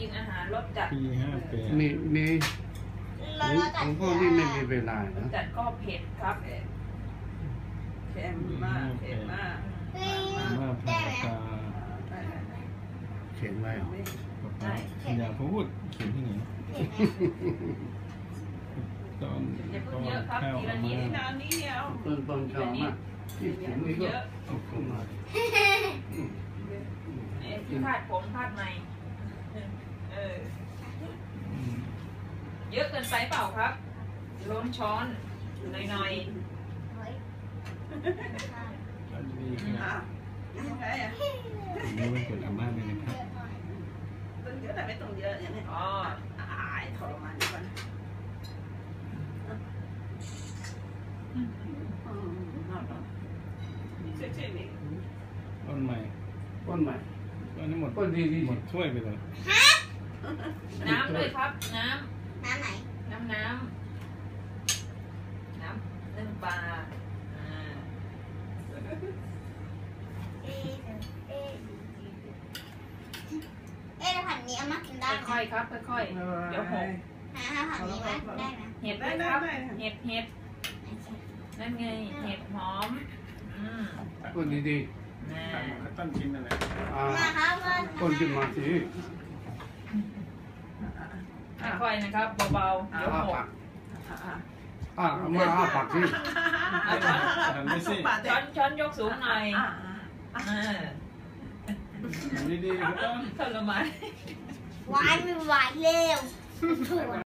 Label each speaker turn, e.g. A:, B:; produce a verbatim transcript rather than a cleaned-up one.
A: กินอาหารรสจัด
B: ปีห้าแปด
C: นี่นี่ของพวกนี้ไม่มีเวลานะ
A: จัดก็เผ็ดครับ
D: เค็มมากเค็มมาก
B: มาพาตา
C: เขียนไว้เหรอ
B: อย่าพูดเขียนที่ไหนตอนตอนข้าวมา
D: น้ำนี้เดียว
C: ต้นต้นชอบมากที่เขียนนี่ก็เข้ามา
A: ที่คาดผมคาดในเออเยอะเกินไปเปล่าครับล้นช้อนหน่อยๆ
D: ใช่อ่ะ
B: นี่มันเกิดอาม่าเลยนะครับ
D: ต้องเยอะแต่ไม่ต้องเยอะอย่างนี้อ๋ออายทรมานก่อน
B: ต้นใหม่
C: ต้นใหม่
B: ต้นนี้หมด
C: ต้นดีดี
B: หมดช่วยไปเลย
A: น้ำด้วยครับน้ำ
E: น้ำไหน
A: น้ำน้ำน้ำนึ่งปลา
E: เอ๊ะเอ๊ะเอ๊ะผัดนี้เอามากินได้ไหม
A: ค่อยๆครับค่อยๆเดี๋ยวหก
E: หาผัดนี้ไว้ได้ไหม
A: เห็ดด้วยครับเห็ดเห็ดนั่นไงเห็ดหอมอืม
C: ต้นดีดี
B: ต้นกินอะไร
E: มาครับ
C: ต้นกินมาสิ
A: ค่อยๆนะครับเบาๆเดี๋ยวหก
C: อ่ามาอ้าปากสิ
A: ช้อนช้อนยกสูงหน่อย
B: ดีๆครับ
A: ทรมาน
E: หวานไม่หวานเร็ว